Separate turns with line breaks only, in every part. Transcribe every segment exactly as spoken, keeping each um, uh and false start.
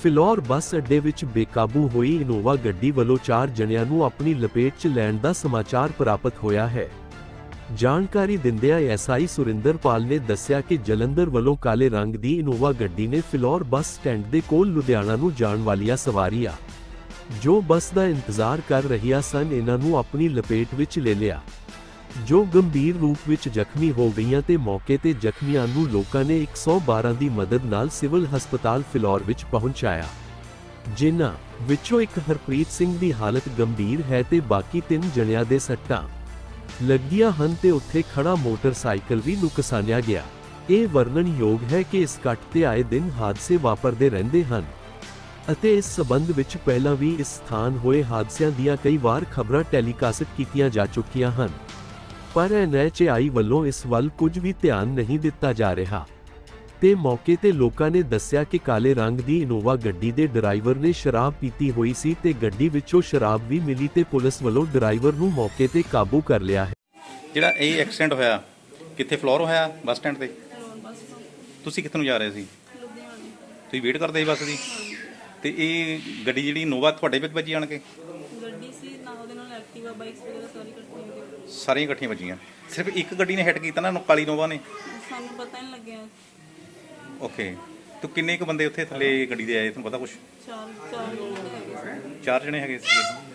ਫਿਲੌਰ ਬੱਸ ਅੱਡੇ ਵਿੱਚ ਬੇਕਾਬੂ ਹੋਈ ਇਨੋਵਾ ਗੱਡੀ ਵੱਲੋਂ ਚਾਰ ਜਣਿਆਂ ਨੂੰ ਆਪਣੀ ਲਪੇਟ 'ਚ ਲੈਣ ਦਾ ਸਮਾਚਾਰ ਪ੍ਰਾਪਤ ਹੋਇਆ ਹੈ। ਜਾਣਕਾਰੀ ਦਿੰਦਿਆਂ ਐਸਆਈ ਸੁਰਿੰਦਰਪਾਲ ਨੇ ਦੱਸਿਆ ਕਿ ਜਲੰਧਰ ਵੱਲੋਂ ਕਾਲੇ ਰੰਗ ਦੀ ਇਨੋਵਾ ਗੱਡੀ ਨੇ ਫਿਲੌਰ ਬੱਸ ਸਟੈਂਡ ਦੇ ਕੋਲ ਲੁਧਿਆਣਾ ਨੂੰ ਜਾਣ ਵਾਲੀਆਂ ਸਵਾਰੀਆਂ ਜੋ ਬੱਸ ਦਾ ਇੰਤਜ਼ਾਰ ਕਰ ਰਹੀਆਂ ਸਨ ਇਹਨਾਂ ਨੂੰ ਆਪਣੀ ਲਪੇਟ ਵਿੱਚ ਲੈ ਲਿਆ, ਜੋ ਗੰਭੀਰ ਰੂਪ ਵਿੱਚ ਜ਼ਖਮੀ ਹੋ ਗਈਆਂ ਤੇ ਮੌਕੇ ਤੇ ਜ਼ਖਮੀਆਂ ਨੂੰ ਲੋਕਾਂ ਨੇ ਇੱਕ ਸੌ ਬਾਰਾਂ ਦੀ ਮਦਦ ਨਾਲ ਸਿਵਲ ਹਸਪਤਾਲ ਫਿਲੌਰ ਵਿੱਚ ਪਹੁੰਚਾਇਆ, ਜਿਨ੍ਹਾਂ ਵਿੱਚੋਂ ਇੱਕ ਹਰਪ੍ਰੀਤ ਸਿੰਘ ਦੀ ਹਾਲਤ ਗੰਭੀਰ ਹੈ ਤੇ ਬਾਕੀ ਤਿੰਨ ਜਣਿਆਂ ਦੇ ਸੱਟਾਂ ਲੱਗੀਆਂ ਹਨ ਤੇ ਉੱਥੇ ਖੜਾ ਮੋਟਰਸਾਈਕਲ ਵੀ ਨੁਕਸਾਨਿਆ ਗਿਆ। ਇਹ ਵਰਣਨਯੋਗ ਹੈ ਕਿ ਇਸ ਕੱਟ ਤੇ ਆਏ ਦਿਨ ਹਾਦਸੇ ਵਾਪਰਦੇ ਰਹਿੰਦੇ ਹਨ ਅਤੇ ਇਸ ਸਬੰਧ ਵਿੱਚ ਪਹਿਲਾਂ ਵੀ ਇਸ ਸਥਾਨ ਹੋਏ ਹਾਦਸਿਆਂ ਦੀਆਂ ਕਈ ਵਾਰ ਖਬਰਾਂ ਟੈਲੀਕਾਸਟ ਕੀਤੀਆਂ ਜਾ ਚੁੱਕੀਆਂ ਹਨ, ਪਰ ਐਨ ਐਚ ਏ ਆਈ ਵੱਲੋਂ ਇਸ ਵੱਲ ਕੁਝ ਵੀ ਧਿਆਨ ਨਹੀਂ ਦਿੱਤਾ ਜਾ ਰਿਹਾ ਤੇ ਮੌਕੇ ਤੇ ਲੋਕਾਂ ਨੇ ਦੱਸਿਆ ਕਿ ਕਾਲੇ ਰੰਗ ਦੀ ਇਨੋਵਾ ਗੱਡੀ ਦੇ ਡਰਾਈਵਰ ਨੇ ਸ਼ਰਾਬ ਪੀਤੀ ਹੋਈ ਸੀ ਤੇ ਗੱਡੀ ਵਿੱਚੋਂ ਸ਼ਰਾਬ ਵੀ ਮਿਲੀ ਤੇ ਪੁਲਿਸ ਵੱਲੋਂ ਡਰਾਈਵਰ ਨੂੰ ਮੌਕੇ ਤੇ ਕਾਬੂ ਕਰ ਲਿਆ ਹੈ।
ਜਿਹੜਾ ਇਹ ਐਕਸੀਡੈਂਟ ਹੋਇਆ ਕਿੱਥੇ ਫਲੋਰ ਹੋਇਆ ਬੱਸ ਸਟੈਂਡ ਤੇ? ਤੁਸੀਂ ਕਿੱਥੇ ਨੂੰ ਜਾ ਰਹੇ ਸੀ? ਤੁਸੀਂ ਵੇਟ ਕਰਦੇ ਸੀ ਬੱਸ ਦੀ? ਤੇ ਇਹ ਗੱਡੀ ਜਿਹੜੀ ਇਨੋਵਾ ਤੁਹਾਡੇ ਵਿੱਚ ਵੱਜੀ ਆਣ ਕੇ?
ਗੱਡੀ ਸੀ ਨਾ, ਉਹਦੇ ਨਾਲ ਐਕਟਿਵਾ ਬਾਈਕਸ ਵਗੈਰਾ ਸਾਰੀ ਇਕੱਠੀਆਂ
ਸਾਰੀਆਂ ਇਕੱਠੀਆਂ ਵੱਜੀਆਂ। ਸਿਰਫ ਇੱਕ ਗੱਡੀ ਨੇ ਹਿੱਟ ਕੀਤਾ ਨਾ, ਕਾਲੀ ਇਨੋਵਾ ਨੇ?
ਸਾਨੂੰ ਪਤਾ ਨਹੀਂ ਲੱਗਿਆ।
ਓਕੇ, ਤੇ ਕਿੰਨੇ ਕੁ ਬੰਦੇ ਉੱਥੇ ਥੱਲੇ ਗੱਡੀ ਦੇ ਆਏ ਤੁਹਾਨੂੰ ਪਤਾ ਕੁਛ?
ਚਾਰ ਚਾਰ ਜਣੇ ਹੈਗੇ ਸੀ।
ਚਾਰ ਜਣੇ ਹੈਗੇ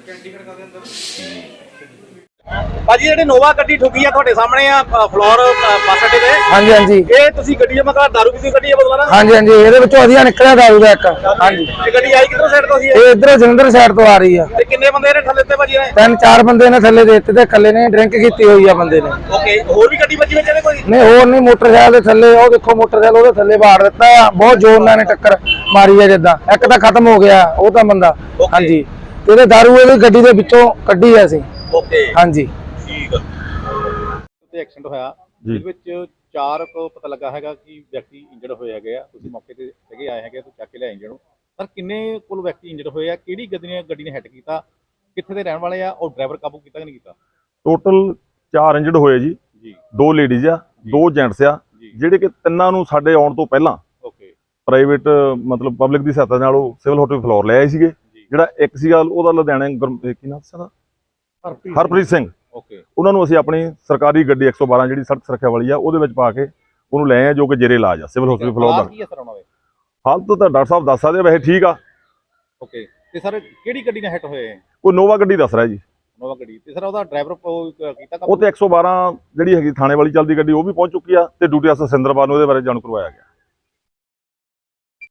ਸੀ।
ਭਾਜੀ ਜਿਹੜੀ ਨੋਵਾ ਗੱਡੀ ਠੁੱਕੀ ਆ ਤੁਹਾਡੇ ਸਾਹਮਣੇ ਆ ਫਲੋਰ ਬੱਸ ਅੱਡੇ ਤੇ?
ਹਾਂਜੀ ਹਾਂਜੀ।
ਇਹ ਤੁਸੀਂ ਗੱਡੀ ਮਤਲਬ ਦਾਰੂ ਪੀਤੀ ਗੱਡੀ ਆ ਬਦਲਾ ਨਾ?
ਹਾਂਜੀ ਹਾਂਜੀ, ਇਹਦੇ ਵਿੱਚੋਂ ਵਧੀਆ ਨਿਕਲਿਆ ਦਾਰੂ ਦਾ ਇੱਕ। ਹਾਂਜੀ,
ਇਹ ਗੱਡੀ ਆਈ ਕਿੱਧਰੋਂ ਸਾਈਡ ਤੋਂ ਸੀ?
ਇਹ ਇਧਰੋਂ ਜਲੰਧਰ ਸਾਈਡ ਤੋਂ ਆ ਰਹੀ ਆ।
ਤੇ ਕਿੰਨੇ ਬੰਦੇ ਨੇ ਥੱਲੇ ਤੇ ਭਾਜੀ ਨੇ?
ਤਿੰਨ ਚਾਰ ਬੰਦੇ ਨੇ ਥੱਲੇ ਦੇ ਦਿੱਤੇ ਤੇ ਇਕੱਲੇ ਨੇ ਡਰਿੰਕ ਕੀਤੀ ਹੋਈ ਆ ਬੰਦੇ ਨੇ।
ਓਕੇ, ਹੋਰ ਵੀ ਗੱਡੀ ਵੱਜੀ ਵਿੱਚ ਇਹਦੇ ਕੋਈ?
ਨਹੀਂ ਹੋਰ ਨਹੀਂ, ਮੋਟਰਸਾਈਕਲ ਦੇ ਥੱਲੇ ਉਹ ਦੇਖੋ ਮੋਟਰਸਾਈਕਲ ਉਹਦੇ ਥੱਲੇ ਬਾੜ ਦਿੱਤਾ ਆ, ਬਹੁਤ ਜ਼ੋਰ ਨਾਲ ਨੇ ਟੱਕਰ ਮਾਰੀ ਆ ਜਿੱਦਾਂ। ਇੱਕ ਤਾਂ ਖਤਮ ਹੋ ਗਿਆ ਉਹ ਤਾਂ ਬੰਦਾ। ਹਾਂਜੀ, ਤੇ ਇਹਦੇ ਦਾਰੂ ਇਹਦੀ ਗੱਡੀ ਦੇ ਵਿੱਚੋਂ ਕੱਢੀ ਆ ਅਸੀਂ।
ਓਕੇ,
ਹਾਂਜੀ
ਠੀਕ ਆ। ਤੇ ਐਕਸੀਡੈਂਟ ਹੋਇਆ ਜਿਹਦੇ ਵਿੱਚ ਚਾਰ ਕੋ ਪਤਾ ਲੱਗਾ ਹੈਗਾ ਕਿ ਵਿਅਕਤੀ ਇੰਜਰਡ ਹੋਏ ਹੈਗੇ ਆ। ਤੁਸੀਂ ਮੌਕੇ ਤੇ ਹੈਗੇ ਆਏ ਹੈਗੇ, ਤੁਸੀਂ ਚੱਕ ਕੇ ਲਿਆਏ ਇੰਜਰਡ ਨੂੰ। ਪਰ ਕਿੰਨੇ ਕੋਲ ਵਿਅਕਤੀ ਇੰਜਰਡ ਹੋਏ ਆ? ਕਿਹੜੀ ਗੱਡੀ ਨੇ ਗੱਡੀ ਨੇ ਹਿੱਟ ਕੀਤਾ? ਕਿੱਥੇ ਦੇ ਰਹਿਣ ਵਾਲੇ ਆ? ਔਰ ਡਰਾਈਵਰ ਕਾਬੂ ਕੀਤਾ ਕਿ ਨਹੀਂ ਕੀਤਾ?
ਟੋਟਲ ਚਾਰ ਇੰਜਰਡ ਹੋਏ ਜੀ ਜੀ ਦੋ ਲੇਡੀਜ਼ ਆ, ਦੋ ਜੈਂਟਸ ਆ, ਜਿਹੜੇ ਕਿ ਤਿੰਨਾਂ ਨੂੰ ਸਾਡੇ ਆਉਣ ਤੋਂ ਪਹਿਲਾਂ
ਓਕੇ
ਪ੍ਰਾਈਵੇਟ ਮਤਲਬ ਪਬਲਿਕ ਦੀ ਸਹਾਇਤਾ ਨਾਲ ਉਹ ਸਿਵਲ ਹਸਪਤਾਲ ਫਲੋਰ ਲੈ ਆਏ ਸੀਗੇ। ਜਿਹੜਾ ਇੱਕ ਸੀਗਾ ਉਹਦਾ ਲੁਧਿਆਣੇ ਕੀ ਨਾਮ ਸੀ? ਹਰਪ੍ਰੀਤ ਸਿੰਘ।
ਓਕੇ,
ਉਹਨਾਂ ਨੂੰ ਅਸੀਂ ਆਪਣੀ ਸਰਕਾਰੀ ਗੱਡੀ ਇੱਕ ਸੌ ਬਾਰਾਂ ਜਿਹੜੀ ਸੜਕ ਸੁਰੱਖਿਆ ਵਾਲੀ ਆ ਉਹਦੇ ਵਿੱਚ ਪਾ ਕੇ ਉਹਨੂੰ ਲੈ ਆਏ, ਜੋ ਕਿ ਜੇਰੇ ਇਲਾਜ ਆ ਸਿਵਲ ਹਸਪਤਾਲ ਫਲੋਰ ਦਾ।
ਕੀ ਅਸਰ ਉਹਨਾਂ ਦੇ?
ਹਾਲਤ ਤਾਂ ਡਾਕਟਰ ਸਾਹਿਬ ਦੱਸ ਸਕਦੇ ਆ, ਵੈਸੇ ਠੀਕ ਆ।
ਓਕੇ, ਤੇ ਸਰ ਕਿਹੜੀ ਗੱਡੀ ਨਾਲ ਹਿੱਟ ਹੋਏ?
ਕੋਈ ਨੋਵਾ ਗੱਡੀ ਦੱਸ ਰਿਹਾ ਜੀ।
ਨੋਵਾ ਗੱਡੀ। ਤੇ ਸਰ ਉਹਦਾ ਡਰਾਈਵਰ ਕੀਤਾ?
ਉਹ ਤੇ ਇੱਕ ਸੌ ਬਾਰਾਂ ਜਿਹੜੀ ਹੈਗੀ ਥਾਣੇ ਵਾਲੀ ਚੱਲਦੀ ਗੱਡੀ ਉਹ ਵੀ ਪਹੁੰਚ ਚੁੱਕੀ ਆ ਤੇ ਡਿਊਟੀ ਅਫਸਰ ਸਿੰਦਰਪਾਲ ਨੂੰ ਉਹਦੇ ਬਾਰੇ ਜਾਣੂ ਕਰਵਾਇਆ ਗਿਆ।